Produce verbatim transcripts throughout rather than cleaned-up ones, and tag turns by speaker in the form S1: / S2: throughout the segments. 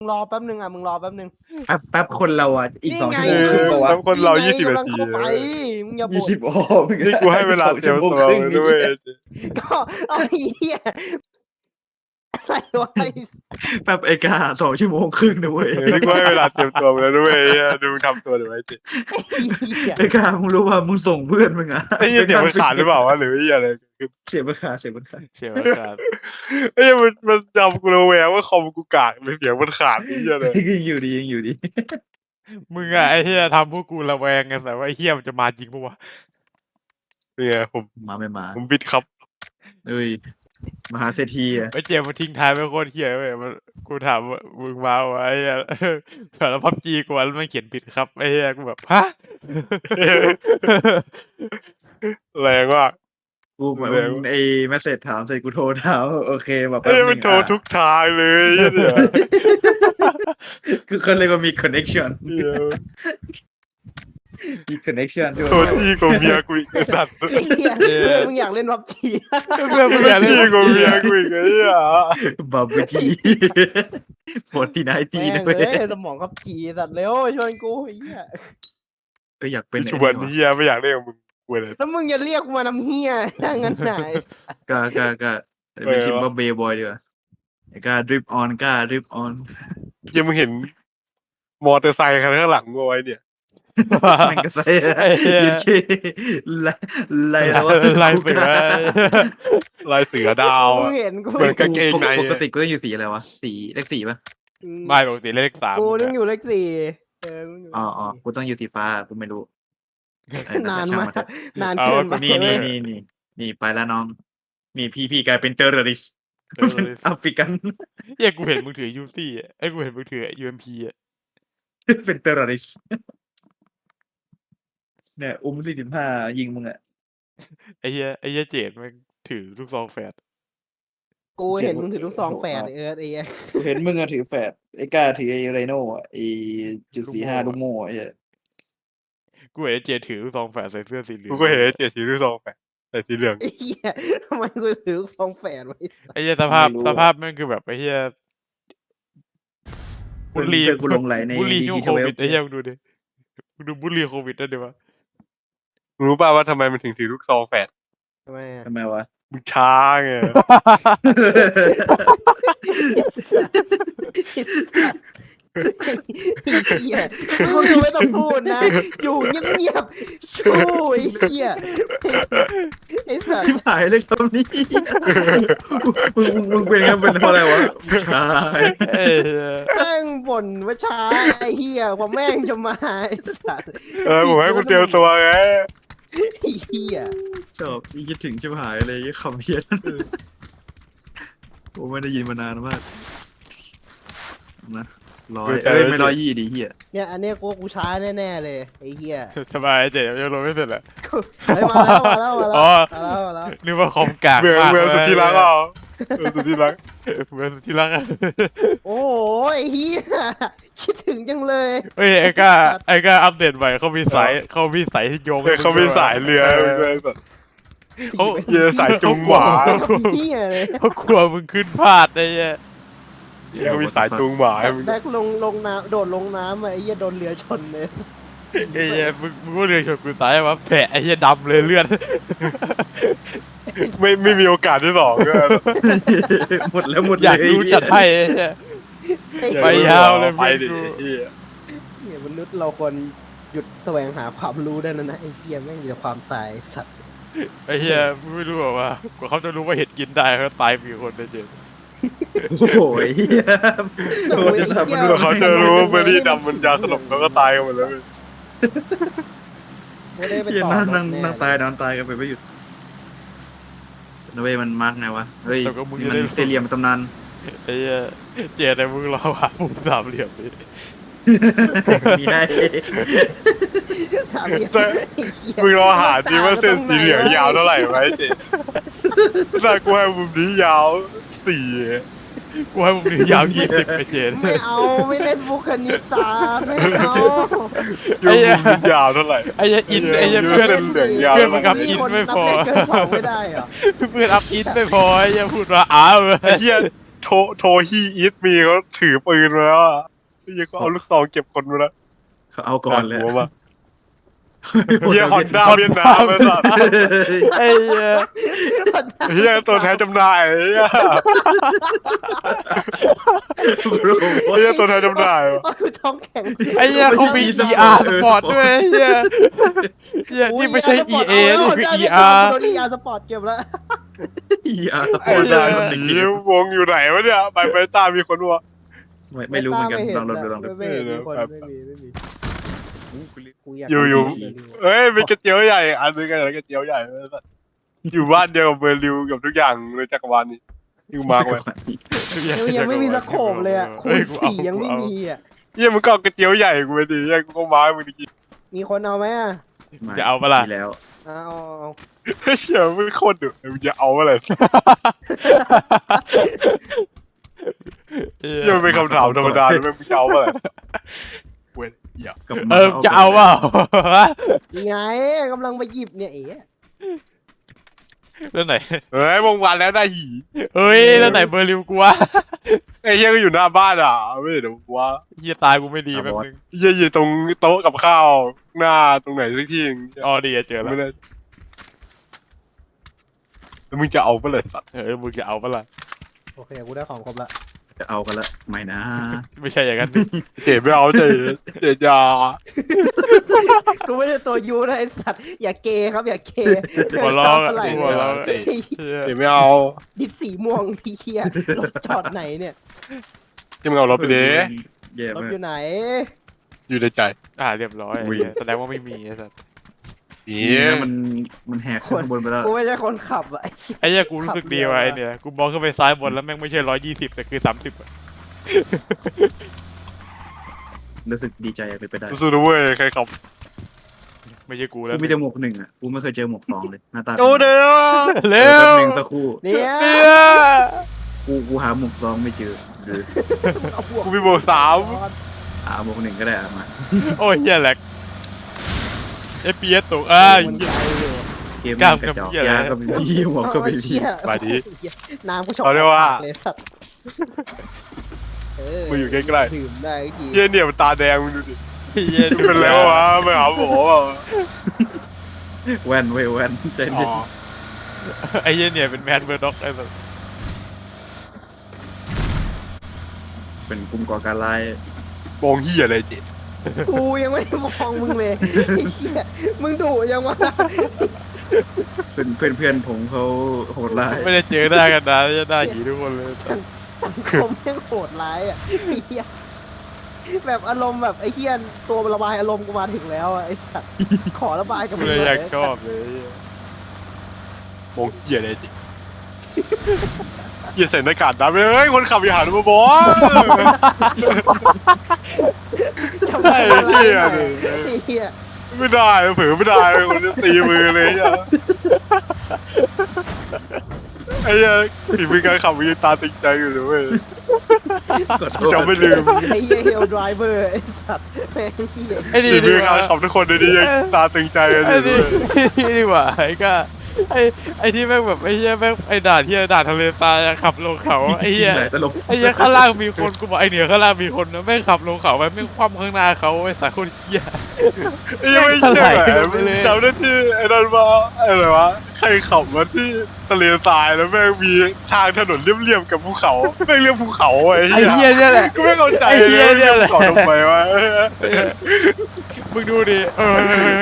S1: มึงรอแป๊บนึงอ่ะมึงรอแป๊บนึง
S2: แป๊บแป๊บคนเราอ่ะอีกสอง
S1: นี่
S2: ชั่ว
S1: ไง
S2: โมงครึ่งกว่า
S3: แล้วคนเรา
S1: นี่ไง
S3: ยี่สิบ
S1: กำ
S3: นา
S1: ลัง
S3: ที
S1: เข้าไปมึงอย่า
S2: ยี่
S1: บ่น
S2: สิบโอ้
S3: นี่กูให้เวลาเตรียมตัว
S2: ครึ่ง
S3: ด้วย
S1: ก็เอาไอ้เหี้ยอะไรวะไอ้
S2: แป๊บไอ้กาสองชั่วโมงครึ่งนะเว้ย
S3: เออนี่กูให้เวลาเตรียมตัวมาแล้วด้วยดูทำตัวเดี๋ยวไว้จิ
S1: เหี้ย
S2: ไอ้กามึงรู้ว่ามึงส่งเพื่อนมึงอ่ะ
S3: ไอ้เหี้ยเสียงมันขาดหรือเปล่าวะหรือไอ้เหี้ยอะไร
S2: เสียงมันขาดเสียงมันขาด
S4: เสียงอากาศ
S3: ไอ้เหี้ยมันมันจำกูระแวงว่าคอมกูกากเลยเสียงมันขาดไอ้เหี้ยเลย
S2: ยังอยู่ดียังอยู่ดี
S4: มึงอะไอ้เหี้ยทำพวกกูระแวงไงแต่ว่าไอ้เหี้ยมันจะมาจริงปะวะ
S3: เนี่ยผม
S2: มาไม่มา
S3: ผมบิดครับ
S2: เอ้ยมหาเศรษฐีอ่ะ
S4: ไอ้เจมส์มันทิ้งท้ายไว้โคตรเหี้ยเว้ยมันกูถามว่ามึงมาไอ้เหี้ยสารพับจีกูแล้วมันเขียนผิดครับไอ้เหี้ยกูแบบฮะ
S3: แรงว่าก
S2: กูเหมือนไอ้แมสเซจถามเสร็จกูโทรถามโอเคแบบ
S3: ไอ้เหี้ยมันโทรทุกทางเลยไอ้เหี้ย
S2: คือเขาเรียกว่ามี connection
S3: เหี้ย
S2: มี connection ด้วย
S3: โทรที่กูเมียกูอีกไอ้สัตว์
S1: ไอ้เหี้ยเพื่อนมึงอยากเล่นพับจี
S4: เพื่อนมึงอยากเล่น
S3: ที่กูเมียกูอีกไอ้เหี้ย
S2: บับเบิ้ลทีโหดที่ไหนที
S1: แม่ง
S2: ด้วย
S1: เลยสมองพับจีสัตว์เร็วชวนกูไอ้เหี้ย
S2: ก็อยากเป็น
S3: ชวนเหี้ยไม่อยากเล่นกับมึงกูเลย
S1: แล้วมึงจะเรียกกูมาน้ำเหี้ยนั่งงั้นไหน
S2: ก็ก็ก็ไม่คิดว่าเบย์บอยดีกว่าไอ้ก็ดริปออนก็ดริปออน
S3: เหี้ยังมึงเห็นมอเตอร์ไซค์คันข้างหลังกูไว้เนี่ย
S2: แม่งก็ใส่ยืนขี้ไล่ไล่แล้ว
S4: ไล่เสือ
S3: ลายเสือดาว
S1: มึ
S3: อะ
S1: งเห็นกู
S3: เหมือนกางเกงใน
S2: ปกติกูต้องอยู่สีอะไรวะสีเลขสีป่ะ
S4: ไม่ปกติเลขสาม
S1: กูต้องอยู่เลขสี่เออมึงอยู่
S2: อ๋ออ๋อกูต้องอยู่สีฟ้ากูไม่รู้เออน
S1: านมาก
S2: ช่งเถอะ
S1: นาน
S2: เอา
S1: เกินไป
S2: นี่
S1: เว้
S2: นี่
S1: ย
S2: นี่นี่นี่ไปแล้วน้องนี่พี่พี่กลายเป็นเตอร์ริสแอฟริกัน
S4: เหี้ยกูเห็นมึงถือยูซี่ไอ้ยกูเห็นมึงถือยูเอ็มพีอะ
S2: เป็นเตอร์ริสเนี่ยอุ้มสี่สิบห้ายิงมึงอะ
S4: ไอ้เหี้ยไอ้เหี้ยเจดมันถือลูกซองแฝด
S1: กูเห็นมึงถือลูกซองแฝดเออไอ้เหี้ย
S2: เห็นมึงอะถือแฟดไอ้ก้าถือไอ้ไรโน่อะไอ้จุดสี่ห้าลูกโม่ไอ้เหี้ย
S4: กูเห็นไอ้เจดถือลูกซองแฝดใส่เสื้อสีเหลือง
S3: กูก็เห็นไอ้เจ็ดสีที่สองแปดแต่สีเหลือง
S1: ไอ้เหี้ยทำไมกูถือลูกซองแฝดไว้
S4: ไอ้เหี้ยสภาพสภาพแม่งคือแบบไอ้เหี้ยบุลลี
S2: เพื่อนกูหลงไหลใน
S4: บุลลีช่วง
S2: ดี
S4: โควิด
S2: ทเวล
S4: ไอ้เหี้ยมึงดูดิมึงดูบุลลีโควิดได้ดิวะ
S3: รู้ป่าวว่าทำไมมันถึงถือลูกซองแฝด
S1: ทำไมอะ
S2: ทำไมวะ
S3: มึงช้าไง
S1: ไอ้เหี้ยมึงไม่ต้องพูดนะ อยู่เงียบๆชู้ไอ้เหี้ยไอ้สัต
S2: ชิบ
S1: ว์
S2: หายเลยคำนี้มึงมึงมึงเป็นกันเป็นเพราะอะไรวะใช่
S4: เอ้ยเหี้ย
S1: แม่งบ่นว่าช้าไอ้เหี้ยกว่าแม่งจะมาไอ้สัตว์
S3: เออผมให้กูเตรียมตัวไง
S1: ไอ้เหี้ย
S2: ชอบคิดถึงชิบหายเลยคำเพี้ยนผมไม่ได้ยินมานานมากนะร้อยเอ้ยไม่ร้อยยี่ดีเฮีย
S1: เนี่ยอันเนี้ยกูกูช้าแน่ๆเลยไอ้เหี้ย
S4: สบายไอ้เจดยังลงไม่เสร็จอะ
S1: เฮ้ยมาแล้วมาแล้วมาแล้ว
S4: อ๋อ
S1: มาแล้วมาแล้ว
S4: นึกว่าคอมกาก
S3: เมือง
S4: มาก
S3: เมืองสุดที่รักอ่ะเมืองสุดที่รัก
S4: เมืองสุดที่รักอะ
S1: โอ้ยไอ้เหี้ยคิดถึงจังเลย
S4: เฮ้ยไอ้ก้าไอ้ก้าอัปเดตใหม่เขามีสายเขามีสายที่โยง
S3: เออเขาไม่สายเรือเลยแบบ
S4: เขา
S3: เรือสายจุงหวา
S1: เหี้ยเลย
S4: เขากลัวมึงขึ้นพลาดไอ้เหี้ย
S3: เขามีสายจุงหวาให้มึง
S1: แบกลงลงน้ำโดดลงน้ำอะไอ้เหี้ยโดนเรือชนเลย
S4: ไอ้เหี้ยมึงมึงก็เรียนชนกูตายวะแผลไอ้เหี้ยดำเลยเลือด
S3: ไม่ไม่มีโอกาสที่สองก็
S2: หมดแล้วหมดเลย
S4: อยากรู้จัดให้ไอ้เหี้ย
S1: ไอ้
S4: ไปยาวเลย
S3: ไปดิ
S4: เพื่อนกู
S3: เหี้ย
S1: เหี้ยมนุษย์เราควรหยุดแสวงหาความรู้ได้แล้วนะไอ้เหี้ยแม่งมีแต่ความตายสัตว์
S4: ไอ้เหี้ยมึงไม่รู้หรอว่ากว่าเขาจะรู้ว่าเห็ดกินได้เขาตายมีคนได้เจอ
S2: โอ้โหเฮียโอ้ยจะทำมันดู
S3: เดี๋ยวเขาจะรู้ว่าเบอร์รี่ดำมันยาสลบเขาก็ตายกันหมดแล้ว
S1: ไม่ได้ไป
S2: เฮีย
S1: ต่อ
S2: นั่ง
S1: ร
S2: นั่
S1: ถ
S2: ง
S1: แน่
S2: นั่งตายนอนตายกันไปไม่หยุดนะเว้ยมันมาร์กไงวะเฮ้ยนี่มันเซเลียมตำนาน
S4: ไอ้เหี้ยเจแต่มึงรอหามุมสามเหลี่ยมดิ
S2: มีให้
S1: ถามเนี่ย
S3: แต่
S1: ไอ้เหี้ย
S3: มึงรอหาดีว่าเส้นสีเหลืองยาวเท่าไหร่ไว้เจ๊แต่กูให้มุมนี้ยาวสี่
S4: กูให้มึงยาวยี่สิบไปเจน
S1: ไม่เอาไม่เล่นบุคณิตศาสตร์ไม่เอา
S3: ยูมุมนี้ยาวเท่าไหร่
S4: ไอ้เหี้ยอินไอ้เหี้ย
S3: เย
S4: เพื่อน
S3: เส้นเหลืองยาว
S4: เพื่อนมึงกับอินไม่พอ
S1: นับเลขเกินสองไม่ได้เหรอ
S4: เพื่อนอัพอินไม่พอไอ้เหี้ยพูดว่าอ้าว
S3: ไอ้เหี้ยโทโทฮีอีทมีเขาถือปืนมาแล้วอ่ะยังก็เอาลูกซองเก็บคนมาแล้ว
S2: เขาเอาก่อนเลย
S3: หัวมาเฮียฮอนด้าเวียดนามไอ้สัส
S4: ไอ้เหี้ย
S3: เฮียตัวแทนจำหน่ายเฮียเฮียตัวแทนจำหน่าย
S1: โอ้ยท้องแข็ง
S4: ไอ้เหี้ยเขามี อี อาร์ สปอร์ตด้วยไอ้เหี้ยเหี้ยนี่ไม่ใช่ อี เอ นี่คือ อี อาร์
S1: โดน อี อาร์ สปอร์ตเก็บแล้ว
S2: อย่า
S3: ไอ้เหี้ยวงอยู่ไหนวะเนี่ยไปไปตามมีคนวะ
S2: ไม่ไม่รู้เหมือนกันลองลองดูลองดู
S1: ไม่เห็นมีคนไม่มีไม่มีกูอยาก
S3: อยู่อยู่เอ้ยมีกระเจียวใหญ่อันนึงกันกระเจียวใหญ่อยู่บ้านเดียวกับเบอร์ลิวกับทุกอย่างในจักรวาลนี้อยู่มาไว้
S1: ยังยังไม่มีสโคปเลยอ่ะคูณสี่ยังไม่มีอ่ะ
S3: เฮียมึงก็เอากระเจียวใหญ่กูไปดิเฮียกูก็มาให้มึงดิ
S1: มีคนเอาไหมอ่ะ
S4: จะเอาปะล่ะ
S2: แล้ว
S1: เอาเอา
S3: เฮียมึงโคตรดุมึงจะเอาอะไรเฮียมันเป็นคำถามธรรมดาเลยมึงจะเอาอะไรเว้ยเฮีย
S4: เออจะเอาเปล่า
S1: ยังไงกำลังไปหยิบเนี่ยเอ๋
S4: แล้วไหน
S3: เฮ้ยวงวันแล้วได้หี
S4: เฮ้ยแล้วไหนเบอร์ลิวกูวะ
S3: ไอ้เฮียก็อยู่หน้าบ้านอ่ะไม่เดี๋ยวว่า
S4: เหี้ยตายกูไม่ดีแป๊บนึง
S3: เฮียอยู่ตรงโต๊ะกับข้าวหน้าตรงไหนสักที่
S4: อ๋อดีอะเจอแล้ว
S3: ไม่ได้แล้วมึงจะเอาไปเลยสัตว์
S4: เออมึงจะเอาปะล่ะ
S1: โอเคกูได้ของครบละ
S2: จะเอากันละไม่นะ
S4: ไม่ใช่อย่างนั้นดิ
S3: เจ็บไม่เอาเจ็บเจ็บยา
S1: กูไม่ใช่ตัวยูนะไอสัตว์อย่าเกย์ครับอย่าเกย์
S4: หัวล้อ
S1: เท่าไหร่
S4: หัวล้อ
S1: เฮ้ย
S3: เจ็บไม่เอา
S1: ดิดสีม่วงพี่เฮียรถจอดไหนเนี่ย
S3: ที่มึงเอารถไปดิ
S2: แย่
S1: รถ
S2: มาก
S1: อยู่ไหน
S3: อยู่ในใจ
S4: อ่าเรียบร้อย
S2: อุ้ย
S4: แสดงว่าไม่มีไอ้สัส
S3: นี่
S2: นี่นะมันมันแหกขึ้นข้างบนไปแล้ว
S1: กูไม่ใช่คนขับอะไอ้เหี้ย
S4: ไอ้เหี้ยกูรู้สึกดีว่ะไอ้เนี่ยกูมองขึ้นไปซ้ายบนแล้วแม่งไม่ใช่ร้อยยี่สิบแต่คือสามสิบ
S2: รู้สึกดีใจไปไปได้
S3: สู้ๆเว้ยใครขับ
S4: ไม่ใช่กูแล้ว
S2: กูมีแต่หมวกหนึ่งอ่ะกูไม่เคยเจอหมวกสองเลยหน้าตา
S3: โอ้เด้อ
S4: เร็
S2: เร็
S4: ว
S2: วหนึ่งสักครู่
S1: เนี่ย
S4: เนี่ย
S2: กูกูหาหมวกสองไม่เจอหรือ
S1: เอาพวก
S3: กูมีโบกสาม
S2: หาหมวกหนึ่งก็ได้อะมา
S4: โอ้ยเหี้ยแหลกเอฟพีเอสตกอ้าย
S1: มัน
S4: เหี้ย
S1: ใจเลย
S2: เกม
S4: กล้าม
S2: กระจอก
S4: กับเหี้ยอะไร
S2: ยาก็ไม่มีหมวกก็ไม่
S1: เอา
S2: มี
S1: เหี้ย
S3: มาดิ
S1: เหี้ยน้ำกูชอบ
S3: เขาเรียกว่า
S1: เลยสัตว์เออ
S3: มึงอยู่ใกล้ๆ
S1: ดื่มได้ที
S3: เฮียเนี่ยมันตาแดงมึงดูดิ
S4: เหี้ย
S3: เป็นแล้ววะไปหาหมอเปล่า
S2: แว่นเว้ยแว่นใจ
S3: อ๋
S2: เย็
S3: อน
S4: ไอ้เหี้ยเนี่ยเป็นแมนเบอร์ด็อกไอ้สัส
S2: เป็นกลุ่มก่อการร้าย
S3: มองเฮียอะไรเจ๊
S1: กูยังไม่ได้มองมึงเลยไอ้เหี้ยมึงดุยังวะ
S2: เพื่อนเพื่อนเพื่อนผมเขาโหดร้าย
S4: ไม่ได้เจอหน้ากันนานจะหน้าหีทุกคนเลย
S1: สังคมแม่งโหดร้ายอ่ะไอ้เหี้ยแบบอารมณ์แบบไอ้เหี้ยตัวระบายอารมณ์กูมาถึงแล้วอะไอ้สัตว์ขอระบายกับ
S4: กู
S1: มึง
S4: เลย
S1: ห
S4: อ
S1: น่
S4: ยากชอบเลย
S3: มองเฮียอะไรเจ๊เฮียใส่หน้ากากดำเลยเฮ้ยคนขับอย่าหันมาบอส
S1: จะมาอะไร
S3: ไอ้เหี้ย
S1: หน่อยไอ้เหี้ย
S3: ไม่ได้เผลอไม่ได้คนจะตีมือเลยอ่ะไอ้เหี้ยฝีมือการขับมีตาตึงใจอยู่เลยเว้ย
S2: กดโท
S3: จำไม่ลืม
S1: ไอ้เหี้ยเฮลไดรเวอร์ไอ้สัตว์แม่งเหี้ย
S4: ไอ้นี่
S3: ฝีมื
S4: ดี
S3: อก การ
S4: ว่า
S3: ขับทุกคนในนี้ยังตาตึงใจกันอ
S4: ไอ้
S3: ยู่
S4: นี่
S3: เลย
S4: นี่ดีกว่าไอ้ก็ไอ้ไอ้ที่แม่งแบบไอ้เหี้ยแม่งไอ้ด่านที่ด่านทะเลทรายอะขับลงเขาไอ้เหี้ย
S2: ไหนตลก
S4: ไอ้เหี้ยข้างล่างมีคนกูบอกไอ้เหนือข้างล่างมีคนนะแม่งขับลงเขาไปแม่งคว่ำข้างหน้าเขาไอ้สายคนเหี้ย
S3: ไอ้ยังไม่เชื่อเลยจำได้ที่ไอ้นั่นว่าอะไรวะใครขับมาที่ทะเลทรายแล้วแม่งมีทางถนนเรียบๆกับภูเขาแม่งเรียกภูเขาไอ้
S4: ไอ้
S3: เหี้ย
S4: เหี้ยเนี่ยแหละ
S3: กูไม่เข้าใจ
S4: ไอ้เหี้
S3: เลย ย
S4: เนี่
S3: เรีย
S4: ย
S3: ก
S4: แหละ
S3: ภูเขาทำไมวะ
S4: มึงดูดิเออ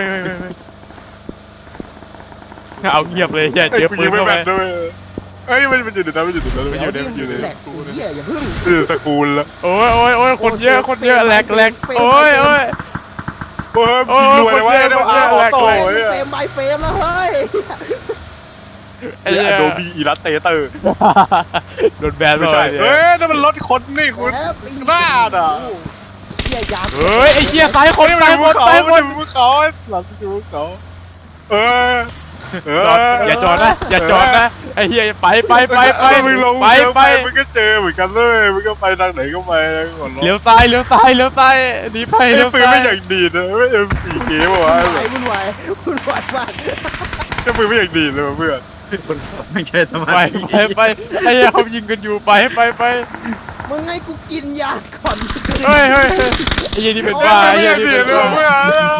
S4: เอาเงียบเลยเหี้ย
S3: ไอ้
S4: เจอ
S3: กู
S4: ปื
S3: ยิ
S4: น
S3: งไม่
S4: เข้าไป
S3: แม่นด้วยเอ้ยมันมันอยู่ในนั้นมันอยู่ในนั้น
S4: มันอยู่ใน
S3: มันอยู่ใน
S1: แหลกไอ้เหี้ยอย่าเพิ่ง
S3: มันอยู่ในสกูลแล้ว
S4: โอ้ยโอ้ยโอ้ยคนเยอะคนเยอะแหลกแหลกโอ้ยโอ้ย
S3: โอ้ย
S4: โอ้ย
S3: รวยเลยเว้ย
S4: คนเย
S3: เดี๋ยว
S4: อะ
S3: อา
S4: คนเยอะ
S3: ออโต้
S4: แหลก
S3: เว้ย
S1: เฟรมบายเฟรมแล้วเฮ้ย
S4: ไอ้
S3: ไอ้
S4: เหี้ย
S3: โดบีอีลัสเตเตอร์
S4: โดนแบน
S3: ไม่
S4: เล
S3: ใช่
S4: ย
S3: เฮ้ยนั่นมันรถคนนี่คุณ
S1: แอบไอ้
S3: บ้าอ่ะ
S1: เหี้ยยา
S4: เฮ้ยไอ้เหี้ยซ้ายคน
S3: นี่
S4: ซ้าย
S3: มัน
S4: ค
S3: ภู
S4: น
S3: เขา
S4: ซ้ายค
S3: มัน นภูเขาหลังภูเขาเออเออ
S4: จอดอย่าจอดนะอย่าจอดนะไอ้เหี้ยไปไปไปไป
S3: มึงลง
S4: ไปไป
S3: มึงก็เจอเหมือนกันเลยมึงก็ไปทางไหนก็ไปก่อน
S4: เลี้ยวซ้ายเลี้ยวซ้ายเลี้ยวซ้ายหนีไป
S3: ไอ้
S4: เลี้ยว
S3: ปืน
S4: ซ้า
S3: ไม่
S4: ย
S3: อย่างดีนะไม่เอ็มสี่เกมวะ
S1: วุ่นวายวุ่นวายวุ่นวายมาก
S3: ไอ้ปืนไม่อย่างดีเลยเพื่อน
S2: คนขับไม่ใช่สมา
S4: ไป
S2: ธิ
S4: ไปไปไอ้เหี้ยเขายิงกันอยู่ไปไปไป
S1: มึงให้กูกินยาก่อน
S4: เฮ้ยเฮ้ยเฮ้ยไอ้เหี้ยนี่เป็นบ้าไอ้เหี้ยนี่เป็น
S3: เรื่อง
S4: บ้า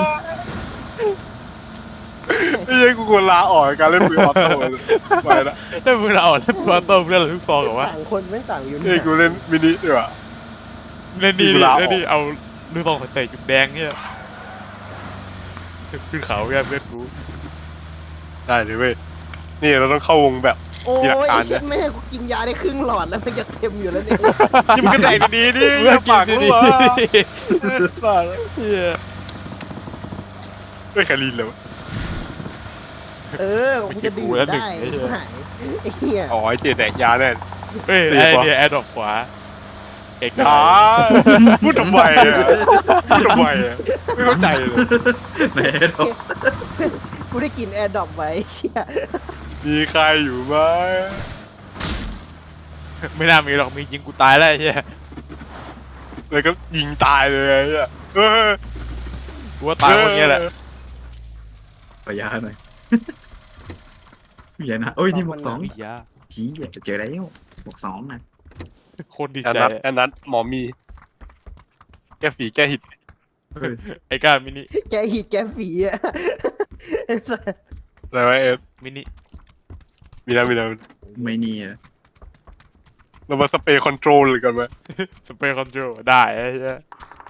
S3: เมื่อไอ้ยังกูควรลาออกจากการเล่นปืนออโต้เลยไปละ
S4: ถ้ามึงเอาแล้วตัวโต้มเรื่องอะไรทุกซองเหรอวะ
S1: ต่างคนไม่ต่างอยู่
S3: เอ้ยกูเล่นมินิดีกว่า
S4: เล่นดี
S3: เว
S4: ดิ
S3: ลาออก
S4: เล่นดีเอาลูกซองเตะจุดแดงเนี่ยขึ้นเขาเนี่ยเพื่อนกู
S3: ได้เลยเว้ยนี่เราต้องเข้าวงแบบ
S1: โอ้
S3: มีหลัก
S1: ย
S3: การ
S1: ไอ้เช่นแม่กูกินยาได้ครึ่งหลอดแล้วมันจะเต็มอยู่แล้วเนี่ย
S3: นี่มันก็แต่งดีๆดิ
S4: เพื่อน
S3: ปาก
S4: กิน
S3: กู
S4: ดี
S3: วะ
S4: ๆ
S3: ปาก
S4: เหี้ย
S3: ไม่แคลีนเลยวะ
S1: เออกูจะดื่มได้ไอ้หายไอ้เหี้ย
S3: อ๋อไอ้เจแดกยาแน่
S4: เฮ้ย
S3: ตี
S4: ไอ้
S3: ปะ
S4: เนี่ยแอร์ดรอปขวาเอก
S3: อ๋อพูดทำไมอ่ะพูดทำไมอ่ะไม่เข้าใจเลย
S2: ไหนดอก
S1: กูได้กินแอร์ดรอปไว้เชี่ย
S3: มีใครอยู่ไหม
S4: ไม่น่ามีหรอกมียิงกูตายแล้วไอ้เหี้ย
S3: แล้วก็ยิงตายเลยไอ้เหี้ยเออ
S4: กูว่าตายคนเนี้ยแหละ
S2: ขอยาหน่อยอย่านะโอ้ยนี่หมวกสอง
S4: ไอ้ยา
S2: ผีอยากจะเจอแล้วหมวกสองนะ
S4: โคตรดี
S3: อัน
S4: ใจ
S3: นั้นอันนั้นหมอมี แก้ฝีแก้หิด
S2: เฮ้ย
S4: ไอ้ก้ามินิ
S1: แกหิดแกฝีอะไอ้สัส
S3: อะไรวะเอฟ
S4: มินิ
S3: มีนะมีนะ
S2: ไม่เนีย
S3: เรามาสเปรย์คอนโทรลเลยกันไหม
S4: สเปรย์คอนโทรลได้ไอ้เหี้ย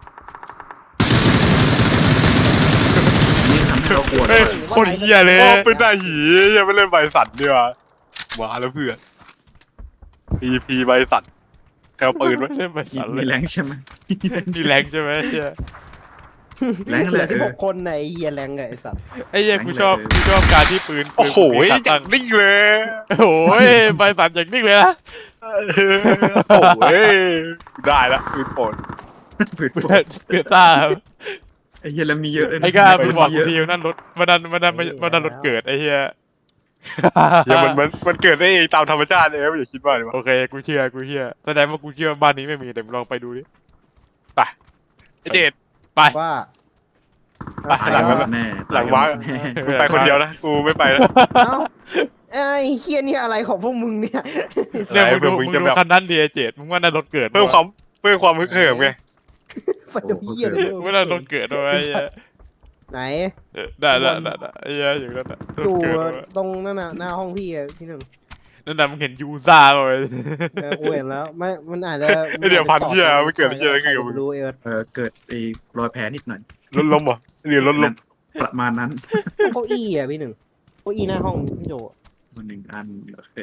S2: นี่ทำให้เราปวด
S4: เฮ้ยโคตรเหี้ยเลย
S3: โอ้เป็นได้หียังไม่เล่นใบสันดีกว่ามาแล้วเพื่อนพีพีใบสันแถวปืนไหม
S4: เล่นไปสั่นเล
S2: มี
S4: ย
S2: แรงใช่ไหม
S4: มีแรงใช่ไหมไอ้เหี้ย
S2: แรง
S1: เห
S2: เล
S1: ลือย สิบหกคนในไอ้เหี้ยแรงไงไอ้สัส
S4: ไอ้เหี้ย
S2: แรง
S4: กูชอบ
S2: เลย
S4: กูชอบการที่ปืน
S3: โอ้โห
S4: ปืน
S3: อ
S4: มีขา
S3: ย่า
S4: ตั้
S3: ง
S4: ง
S3: นิ่งเลย
S4: โอ้ยใบสั่นอย่างนิ่งเลยนะ
S3: โอ้ยได้ละปืนโปน
S2: ปืน
S4: เพื่
S2: ป
S4: อนเพื่อนตาครับ
S2: ไอ้เหี้ยแล้วมีเยอะเลยนะ
S4: ไอ้ก้ามึงบอก
S2: เย
S4: กู
S2: อะ
S4: ทีวันนั้นรถวันนั้นวันนั้นวันนั้นรถเกิดไอ้เหี้ย
S3: เดี๋ยวมันมันมันเกิดได้เองตามธรรมชาติเองอย่าคิดว่าเลยวะ
S4: โอเคกูเชื่อกูเชื่อแสดงว่ากูเชื่อบ้านนี้ไม่มีแต่มึงลองไปดูดิ
S3: ไปไอเจด
S4: ไป
S1: ว่า
S3: ไป
S2: ตาย
S3: หลัง
S2: กั
S3: นั้น น
S2: แน่
S3: หลังว้า
S2: แน่
S3: กูไปคนเดียวนะกูไม่ไปนะ
S1: เอ้าไอ้เฮียนี่อะไรของพวกมึงเนี่ย
S4: เนี่ยมึงดู
S3: มึ
S4: มึ
S3: ง
S4: ง
S3: จะ
S4: ดู
S3: แบบ
S4: คันนั้นดิไอ้เจดมึงว่านั่นรถเกิด
S3: เพิ่มความเพิ่มความฮึกเหิมไง
S1: ไฟดำเฮียเลย
S4: มึงว่านั่นรถเกิดด้วยไอ้เหี้ย
S1: ไหน
S4: ได้ได้ได้ได้ไอ้เหี้ยอย่างนั้นน่ะร
S1: ดู
S4: ถเกิดด้วย
S1: ตรงนั่นน่ะหน้าห้องพี่อะพี่หนึ่ง
S4: นั่นน่ะมึงเห็นยูซ่าเลย
S1: เออกูเห็นแล้วมันมันอาจจะ
S3: ไอเดี๋ยวพันเหี้ยมันเกิดเหี้ยอะไรขึ้นกับมึง
S1: รู้เออ
S2: เออเกิดไอ้รอยแผลนิดหน่อย
S3: รถล้มเหรอหรือรถล้ม
S2: ประมาณนั้น
S1: เก้าอี้อะพี่หนึ่งเก้าอี้หน้าห้องพี่โจ
S2: มันหนึ่งอันโอเค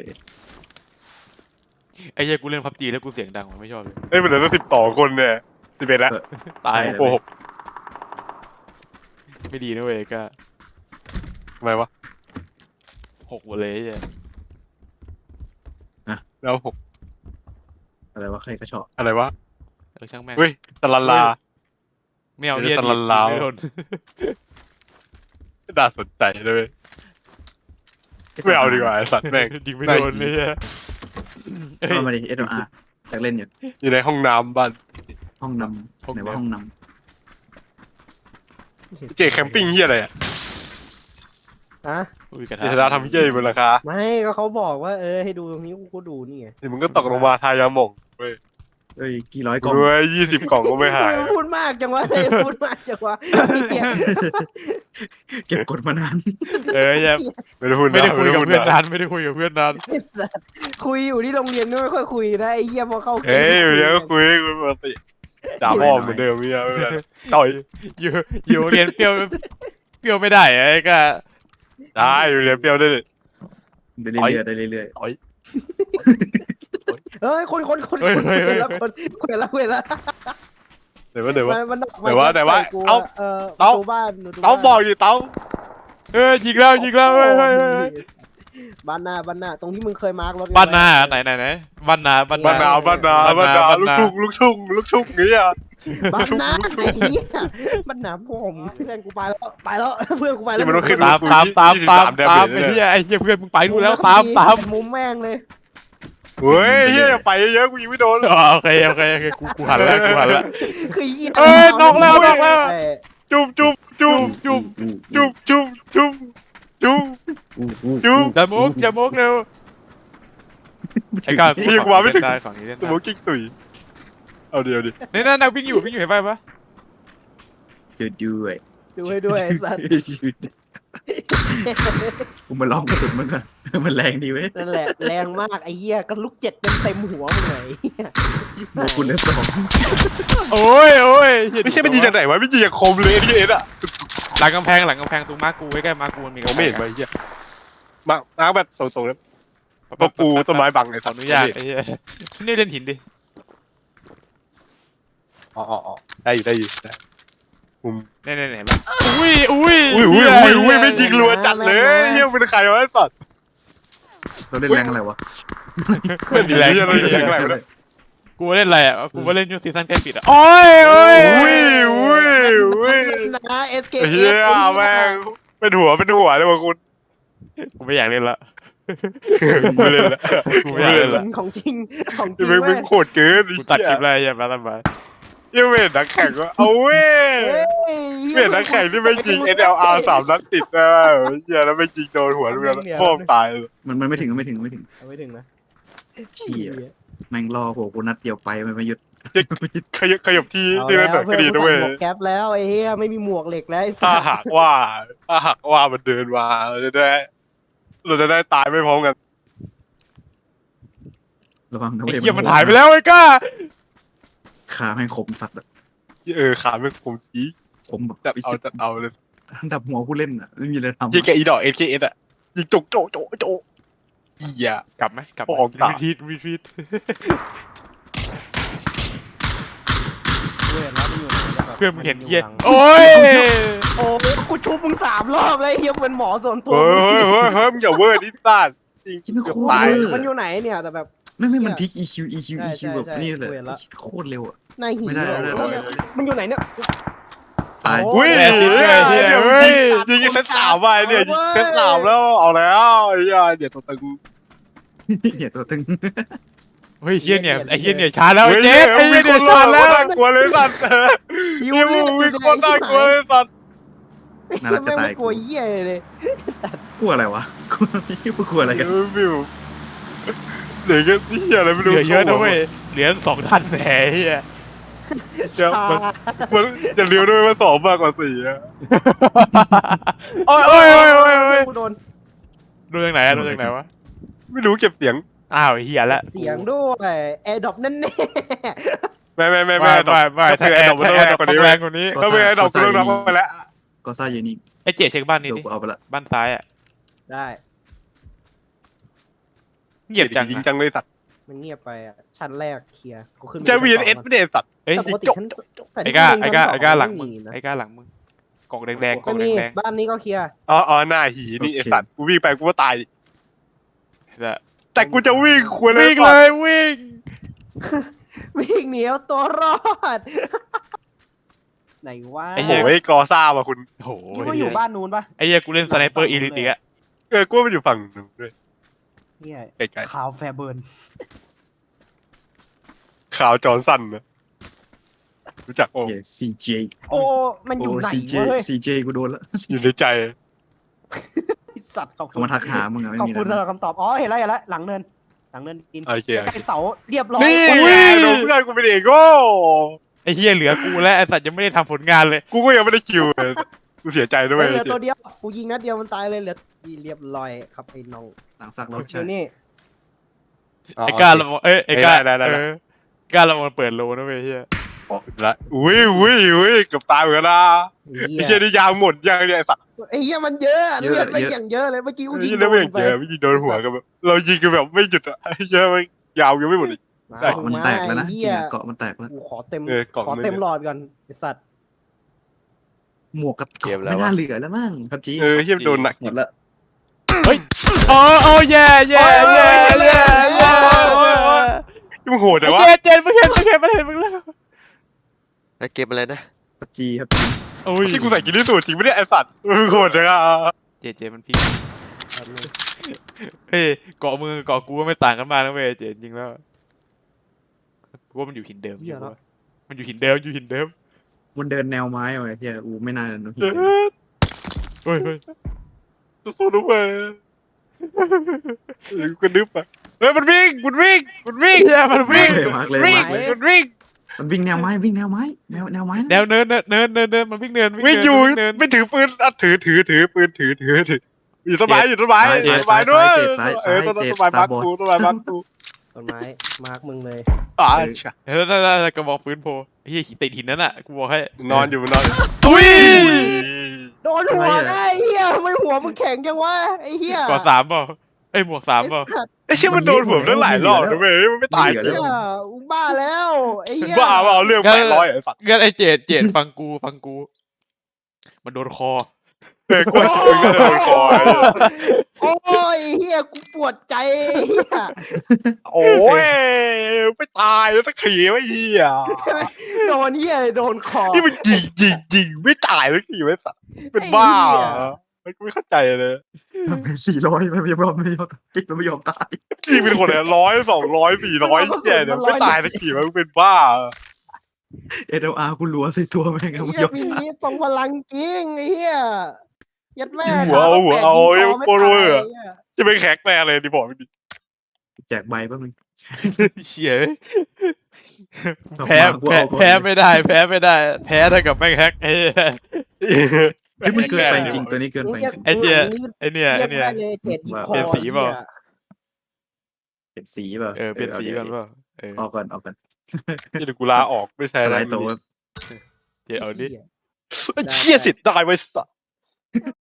S4: ไอ้เหี้ยกูเล่นพับจีแล้วกูเสียงดังว่ะไม่ชอบเลย
S3: เอ้ยมันเหลือตั้งสิบต่อคนเนี่ยสิบเอ็ดแล้ว
S4: ตาย
S3: โอ้โห
S4: ไม่ดีนะเว้ยก็
S3: ทำไมวะ
S4: หกหมดเลยไอ้เหี้ย
S3: แล้วหก
S2: อะไรวะใครกระชอก
S3: อะไรวะ
S4: เออช่างแม่ง
S3: เฮ้ยตะลันลา
S4: ไม่เอา
S3: เดี๋
S4: เหี้ย
S3: ยว
S4: ดี
S3: ตะลันลาว
S4: ไม่โดน
S3: น่าสนใจเลยไม่เอาดีกว่าไอสัตว์แม่ง
S4: ยิงไม่โดนเลยเหี้ยเอ้ย
S2: เข้ามาดิเอสอาร์อยากเล่นอยู่
S3: อยู่ในห้องน้ำบ้าน
S2: ห้องนำไหนว่าห้องน
S3: เจแคมปิ้งเฮียอะไรอ่ะ
S1: อะ
S4: อุ้ยกระ
S3: เจ
S4: ทะ
S3: ษดาทำเฮียอยู่บนราคา
S1: ไม่ก็เขาบอกว่าเออให้ดูตรงนี้กูก็ดูนี่ไง
S3: เดี๋ยวมึงก็ตกลงมาทายาหม่งเว้ย
S2: ำเอ้ยกี่ร้อยกล่อง
S3: ด้วยยี่สิบกล่องก็ไม่หาย
S1: เออพูดมากจังวะเออพูดมากจังวะเหี้ย
S2: เก็บกดมานาน
S4: เออเหี้ย
S3: ไม่ได้พูด
S4: ไม่
S3: นะ
S4: ได้คุยกับ
S3: พูด
S4: เพื่อน
S3: นะ
S4: นานไม่ได้คุยกับเพื่อนนาน
S1: ไอ้สัสคุยอยู่ที่โรงเรียนไม่ค่อยคุยนะไอ้เหี้ยพอเข้าเกม
S3: เอ้ยเดี๋ยวก็คุยคุยปกติด่าพ่อเหมือนเดิมเมียไม่เป็นไรต่อย
S4: อยู่อยู่เรียนเปรี้ยวเปรี้ยวไม่ได้ไอ้ก็
S3: ได้อยู่เรียนเปรี้ยวได้เลย
S2: ได้เรื่อยๆได้เรื่อย
S3: ต่อย
S1: เอ้ยคนคนคนคนคุยแล้วคนคุยแล้วคุยแล้ว
S3: เดี๋ยวว่าเดี๋ยวว่า
S1: มันมัน
S3: ไหนวะไหนวะ
S1: ใส่กู
S3: เอ้า
S1: เออ
S3: เอ้า
S1: ประตูบ้านประตู
S3: เต้า
S1: บ้าน
S3: บอกอยู่เต้า
S4: เออยิงแล้วยิงแล้วเฮ้ยเฮ้ยเฮ้ย
S1: บ้านหน้าบ้านหน้าตรงที่มึงเคยมาร์กรถ
S4: บ้านนาไหนไหนไหนบ้านนาบ้าน
S3: บ้านนาบ้านนาบ้านนา
S4: บ้าน
S3: ลูก
S4: นา
S3: ทุ่งลูกทุ่งลูกทุ่งเงี้ย
S1: บ้านหน้าไอ้เหี้ยบ้านหน้าผมเพื่อนกูไปแล้วไปแล้วเพื่อนกูไปแล้
S3: ที่
S1: ว
S3: มันต้องขึ้น
S4: ตามตามตามตาม
S3: ยี่สิบสาม
S4: ตาม
S3: เดื
S4: ไอ้
S3: อน
S4: เหี้ยไอ้เหี้ยเพื่อนมึงไปนู่นแล้วตามตาม
S1: มุมแม่งเลย
S3: เฮ้ยเฮียไปเยอะกูยิงไม่โดน
S4: อ๋อโอเคโอเคโอเคกูกูหันแล้วกูหันแล้ว
S1: คือเหี้ย
S4: เอ้ยนอกแล้วนอกแล้ว
S1: เอ้ย
S3: จุ๊บจุ๊บจุ๊บ
S4: จุ๊บ
S2: ๆอู้
S3: จุ๊บจุ๊บจุ๊บจุจุ๊บ
S2: อู้อู้
S3: จุ๊บ
S4: อย่ามุกอย่ามุกเร็วไอ้ก้ากู
S3: ยังมาไม่ถึง
S4: ได้ของนี้เล่น
S3: สมม
S4: ได้
S3: ติกิ๊กตุยเอาเดียวดิ
S4: นี่นั่นนั่งวิ่งอยู่วิ่งอยู่เห็นป่ะปะ
S2: เจอด้วย
S1: ดูให้ด้วยไอ้สัตว์
S2: กูมาลองกระสุนมันก่อนมันแรงดีเว้ย
S1: นั่นแหละแรงมากไอ้เหี้ยก็ลูกเจ็ดเต็มเต็มหัวมึงเลยไอ้เหี้ย
S2: หมวกคุณเหลือสอง
S4: โอ้ยโอ้ยเหี้ย
S3: ไม่ใช่มันยิงจากไหนวะไม่ยิงจากคมเลยที่เอ็ดอะ
S4: หลังกำแพงหลังกำแพงตรงมาร์กูใกล้ๆมาร์กูมันมี
S3: ผม
S4: กำแพ
S3: ไม่
S4: ง
S3: เห็นมาเฮียมามาแบบตรงๆแล้วมาปูต้นไม้บังเลย
S4: ขออนุญาตไอ้เหี้ยนี่เล่นหินดิ
S3: อ๋ออ๋อได้อยู่ได้อยู่ได้มุม
S4: เนี่ยเนี่ยเห็นป่ะอุ้ยอุ้ย
S3: อุ้ยอุ้ยอุ้ยอุ้ยไม่ยิงรัวจัดเลยเฮียเป็นใครวะไอ้สัตว์
S2: เราเล่นแรงอะไรวะ
S3: ไม่มีแรงไม่มีแรงอะไรเลย
S4: กูเล่นอะไรอ่ะกูว่าเล่นยูซีซั่นใกล้ปิดอ่ะโอ้ยโอ้ย
S3: อุ้ยอุ้ยอุ้ย
S1: นะเอสเค
S3: เฮียแม่งเป็นหัวเป็นหัวเลยวะคุณ
S4: กูไม่อยากเล่นละ
S3: ไม่เล่นละ
S4: กูไม่อยากเล่นละ
S1: ของจริงของจริง
S3: มึงมึ
S1: เว้
S3: ง
S1: ย
S3: โหดเกิน
S4: กูตัดคลิปเลยอย่ามาทำไม
S3: ยังไม่เห็นนักแข่งว่าเอาเว้ย
S1: เฮ้ย
S3: ไม่เห็นนักแข่งที่ไม่ยิง เอส แอล อาร์ สามนัดติดนะเฮียแล้วไม่ยิงโดนหัวลูกนั้นพ่อมตายเลย
S2: มันมันไม่ถึงไม่ถึงไม่ถึง
S1: เอาไม่ถึงนะ
S2: เหี้ย แม่งรอโหกูนัดเดียวไปมันไม่หยุด
S3: ขยับขยับที่
S1: เอา
S3: ที่
S1: แล้
S3: มัน
S1: ว
S3: เปิด
S1: เพื่
S3: ก็
S1: อน
S3: ดี
S1: กู
S3: นะ
S1: ใส่
S3: เว้ย
S1: หมวกแก๊ปแล้วไอ้เหี้ยไม่มีหมวกเหล็กแล้วไอ้สั
S3: ถ้า
S1: ส
S3: หากว่าถ้าหากว่ามันเดินมาเราจะได้เราจะได้ตายไม่พร้อมกัน
S2: ระวังนะ
S4: ไอ้
S2: เว้ย
S4: เหี้ยมันหายไปแล้วไอ้ก้า
S2: ขาแม่งคมสัตว์อะ
S3: เออขาไม่คมจี้
S2: คมแบบ
S3: จับเอาจับเอาเลย
S2: ดับหัวผู้เล่นอะไม่มีอะไรทำ
S3: ยิงแกอีดอกเอสเคเอสอ่ะยิงโจกโจกโจกโจกเหี้ย
S4: กลับไหมกลับ
S3: ออกกลับ
S4: รีทีทรีทีท
S1: เว้ยแล้วมันอยู่ไหนแล้วแบบ
S4: เพื่อนมึงเห็นเหี้ย
S1: มั
S4: โอ้ย
S1: โอ้ยกูชุบมึงสามรอบเลยไอ้เหี้ยเป็นหมอส่วนตัว
S3: เฮ้ยเฮ้ยเฮ้ยเฮ้ยมึงอย่าเวอร์ดิซ่าจริง
S2: ที่มันโคตร
S3: ตาย
S2: เวอร์
S1: มันอยู่ไหนเนี่ยแต่แบบ
S2: ไม่ไม่มันพลิก อี คิว อี คิว
S1: ใช่
S2: อี คิว
S1: ใช่
S2: แบบ
S1: ใช่
S2: นี่เลย
S1: กูเห็นละ
S2: โคตรเร็วอะ
S1: นายหิว
S2: ไม่ได้
S1: เลย
S2: ไม่ได้
S1: แล้วมันอยู่ไหนเนี่ย
S2: ตาย
S1: โอ้
S3: อุ้ย
S4: แย่จริงเลยเหี้ย
S3: ดี๋ว
S4: เฮ้ย
S3: ยิงยิงเซตสามไปเนี่ยยิงเซตสามแล้วเอาแล้วไอ้เหี้ยเดี๋ยวตัวตึง
S2: เหี้ยตัวตึง
S4: เฮ้ยเหี้ยเนี่ยไอ้เหี้ยเนี่ยชาแล้วไอ้เจ๊ไอ้เหี้ยเนี่ยชาแล้ว
S3: น่ากลัวเลยสัตว์
S1: หิ
S3: ยิ
S1: ว
S3: ง
S1: เลย
S3: วิ่งโคตรน่ากลัวเลยสัตว์
S2: น่ารักจะ
S1: แม่ง
S2: ตา
S1: ไม่
S2: ย
S1: กลัวเหี้ยเลย
S2: กลัวอะไรวะกลัวกูกลัวอะไรกัน
S3: วิวเหลือแค่ที่อะไรไม่
S4: เห
S3: รู้
S4: ลือเยอะนะเว้ยเหลือสองทันแหมเหี้ย
S3: เดี๋ยวมันมันจะเลี้ยวด้วยว่าสองมากกว่าสี่อะโอ้ย
S4: โอ้
S3: โอ้
S4: ย
S3: ย
S4: โอ้
S3: โอ้
S4: ย
S3: ย
S4: โอ้ยโอ้ย
S1: กูโดน
S4: ดูจากไหนอะดูจากไหนวะ
S3: ไม่รู้เก็บเสียง
S4: อ้าวเหี้ยละ
S1: เสียงด้วยแอร์ดรอปแน่แน่
S3: ไม่ไม่ไม่
S4: ไม่
S3: ไม่
S4: ไม่ไม่
S3: ถ้า
S4: ถ้า
S3: เป็น
S4: แอ
S3: ไอ้
S4: ร์
S3: ดอกมัน
S4: ถ้า
S3: ต้อง
S4: แอ
S3: แรง
S4: ร์
S3: กว่านี้
S4: ต้องแรงกว่านี้
S3: ถ้าเป็นไอ้ดอกกูต้องรับไปแล้ว
S2: ก็ซ่าอยู่นี่
S4: ไอ้เจ๊เช็คบ้านนี้
S2: เดี๋ยว
S4: ดิ
S2: กูเอาไปละ
S4: บ้านซ้ายอ่ะ
S1: ได้
S4: เงียบจัง
S3: ยิง
S4: อะ
S3: จังเลยสัตว์
S1: มันเงียบไปอ่ะชั้นแรกเคลียร์กูขึ้นไป
S3: จะวี
S1: ชั้
S3: เอน ส
S1: สอง
S3: ไม่ได้สัตว์
S4: เอ้ย
S1: แต่ปกติชั้นแต่
S4: ไอ้
S1: ที่
S4: ก้า
S1: กู
S4: ไอ้ก้า
S1: ชั้นส
S4: ไอ้ก้าหลัง
S1: ไม่
S4: มึง
S1: มีนะ
S4: ไอ้ก้าหลังมึงกล่องแดงๆกล่
S1: ไม่
S4: อง
S1: มี
S4: แดง
S1: บ้านนี้ก็เคลียร์
S3: อ๋ออ๋อหน้าหีนี่ไอ้สัตว์กูวิ่งไปกูก็ตาย
S4: ๆแต่
S3: แต่กูจะวิ่งควรเลย
S4: วิ่งเลยวิ่ง
S1: วิ่งหนีเอาตัวรอด ไหนวะ
S3: โอ้ยกอซ่าว่ะคุณ
S4: โอ้โห
S1: นี่ว่าอยู่บ้านนู้นปะ
S4: ไอ้เหี้ยกูเล่นสไนเปอร์อีลิทอีกอะ
S3: เออกูว่ามันอยู่ฝั่งนึงด้วย
S1: เนี่ย
S3: ไกล
S1: ขาวแฟร์เบิร์น
S3: ๆขาวจอร์นสันนะรู้จักโอ้
S2: เหี้ย ซี เจ
S1: โอ้มันอยู่ไหน
S2: ซี เจ
S1: วะเฮ้ย
S2: ซี เจ กูโดนแล้ว
S3: อยู่ในใจ
S1: ไอ้สัตว์ขอบคุ
S2: เขา
S1: ณ
S2: มาทักหามึงอะไม่
S1: ขอบ
S2: มี
S1: คุณ
S2: อะไร
S1: สำหรับคำตอบอ๋อเห็นแล้วเห็นแล้วหลังเนินหลังเนินกิน
S3: โอเคโอ
S1: ใก
S3: เค
S1: ล้ๆเสาเรียบร้อย
S3: นี่
S1: โอ้
S3: ไง
S1: ย
S3: โดนเพื่อนกูเป็นเอกโก้
S4: ไอ้เหี้ยเหลือกูและไอ้สัตว์ยังไม่ได้ทำผลงานเลย
S3: กูก็ยังไม่ได้คิวเลยกูเสียใจด้วย
S1: เหลือตัวเดียวกูยิงนัดเดียวมันตายเลยเหลือเรียบร้อยครับไอ้น้อง
S2: หลังสักรถ
S1: เดี๋
S2: ใช่
S1: ยวนี่
S3: อ๋อ
S4: ไอ้ก้าระวังเอ้ยไอ้ก้า
S3: ได้ได้ได้
S4: เออก้าระวังเปิดโลนะเว้ยเหี้ย
S3: ละอุ้ยอุ้ยอุ้ยเกือบตายเหมือนกันนะ
S1: ไอ้
S3: ไอ้
S1: เหี้
S3: เหี้ย
S1: ย
S3: นี่ยางหมดยางเนี่ยไอ้สัตว์
S1: ไอ้เหี้ยมันเยอะเลือดไปอย่างเยอะเลยเมื่อกี้กู
S3: ไอ้
S1: ยิง
S3: เหี้ย
S1: โด
S3: แล้วไม่
S1: นไป
S3: เจอไม่ยิงโดนหัวกันแบบเรายิงกันแบบไม่หยุดอะไอ้เหี้ยมันยาวยังไม่หมดอีก
S1: มา
S2: เกาะมันแตกแล้วนะ
S1: ไอ้
S2: จริ
S1: เหี้
S2: ง
S1: ย
S2: อะเกาะมันแตกแล้ว
S1: กูขอเต็ม
S3: เออเกาะ
S1: ขอ
S3: มัน
S1: เต็มหลอดก่อนไอ้สัตว์
S2: หมวกกับเกาะไม่น่าเหลือแล้วมั้งครับจี
S3: เออเหี้ยโดนหนัก
S2: หมดละ
S4: เฮ้ยโอ้โอ้แย่แย่แย่แย่แย่
S3: ที่มึงโหดแต่
S4: ไอ้
S3: ว่า
S4: เจนเจนมึงเห็นมึงเห็นมันเห็นมึงแล้ว
S5: ไอ้เกมอะไรนะ
S2: ครับจีครับ
S4: โอ้ย
S3: ที่กูใส่กินที่สุดจริงไม่ได้ไอ้สัตว์มึงโหดจังอะ
S4: เจเจมันพีคเฮ้ยเกาะมือเกาะกูก็ไม่ต่างกันมากนะเว้ยเจจริงแล้วกูว่ามันอยู่หินเดิมอยู่วะมันอยู่หินเดิมอยู่หินเดิม
S2: มันเดินแนวไม้ไว้เฮียอูไม่น่าโดนหิน
S3: เออ
S4: เฮ้ยเฮ้ย
S3: สู้ๆด้วยหรือกูนึกไปเฮ้ยมันวิ่งมันวิ่งมันวิ่ง
S4: เฮียมันวิ่ง
S2: มาร์กเลย
S3: วิ่ง
S2: มาร์กเลย
S3: มันวิ่ง
S2: มันวิ่งแนวไม้วิ่งแนวไม้แนวแนวไม้
S4: แนวเนินเนินเนินเนินเนินมันวิ่งเนิน
S3: วิ่ง
S4: เนิน
S3: อยู่
S4: วิ่งเนิน
S3: ไม่ถือปืนอ่ะถือถือถือปืนถือถือถืออยู่ต้นไม้อยู่ต้นไม้
S2: ซ้าย
S3: อยู่
S2: ซ้าย
S3: ต้นไม้
S2: ซ้าย
S3: ด้วย
S2: ซ้าย
S3: เอ
S2: ซ้าย
S3: อต้น
S2: เจ็บ
S3: ต้นไม้
S2: ตา
S3: มาร์ก
S2: บอด
S3: กูต้นไม้มาร์กกู
S1: ต้นไม้มาร์กมึงเลย
S3: อ่า
S4: เออนั่นนั่นกระบอกปืนโพเฮียติดหินนั่นอ่ะกูบอกให้
S3: นอนอยู่มันนอนอยู่
S4: ตุ้ย
S1: โดนหัวไงไอ้เหี้ยทำไมหัวมึงแข็งจังวะไอ้เหี้ย
S4: ก่อสามเปล่าเอ้ยหมวกสามเปล่า
S3: ไอ้เชี่ยมันโดนผมตั้งหลายรอบนะเว้ยมันไม่ตาย
S1: ไอ้
S3: จริ
S1: เหี้
S3: ง
S1: ยมึงบ้าแล้วไอ้เหี้ย
S3: บ้าเปล่าเรื่องแปดร้อยไอ้สัตว์
S4: งั้นไอ้เจดเจดฟังกูฟังกู มันโดนคอ
S3: เออกูมึงก็โดนคอย
S1: โอ้ยเหี้ยกูปวดใจเหี้ย
S3: โอ้ยไม่ตายแล้วตะขี่ไม่เหี้ย
S1: โดนเหี้ยเลยโดนคอ
S3: นี่มันยิงยิงยิงไม่ตายแล้วขี่ไม่สัตว์เป็นบ้าไม่ไม่เข้าใจเลย
S2: สี่ร้อยมันไม่ยอมไม่ยอมจิกมันไม่ยอมตาย
S3: ยิงเป็นคนเนี่ยร้อยสองร้อยสี่ร้อยเหี้ยเนี่ยไม่ตายตะขี่มันเป็นบ้า
S2: เอเดอาร์กูรัวใส่ตัวแม่ง
S1: ไอ้
S2: ไม่
S1: เหี้
S2: ย
S1: ย
S2: อม
S1: ปี
S2: ตาย
S1: นี้ทรงพลังจริงไอ้เหี้ยยัดแม่
S3: หัวเอาหัวเอาไอ้โคตรเวอร์
S1: ไหี้ย
S3: จะเป็นแขกแม่เลยดิบอกไม่ดี
S2: แจกใบแป๊บนึง
S4: เฉียแพ้แพ้แพ้ไม่ได้ แพ้ไม่ได้ แพ้เท่ากับแม่งแฮกไอ้เหี้ย
S2: เฮ้ยมันเกินไปจริงตัวนี้เกินไปจริง
S4: ไอ้เจี๊ย ไอ้เนี่ยไอ้
S1: เรียก
S4: เนี่ย
S1: ได้เลยเจ็ดอีคอ
S4: เปลี่ยนสีเปล่า
S1: หี้ย
S2: เปลี่ยนสีเปล่า
S4: เออเปลี่ยนสีก่อนเปล่าเออ
S2: ออกก่อนออกก่อน
S3: นี่เดี๋ยวกูลาออกไม่ใช่
S2: ส
S3: แล้ว
S2: ไลด์โตว
S4: เจดเอาดิ
S1: หี้ย
S3: เชี่ยสิทธิ์ได้ไว้สัตว์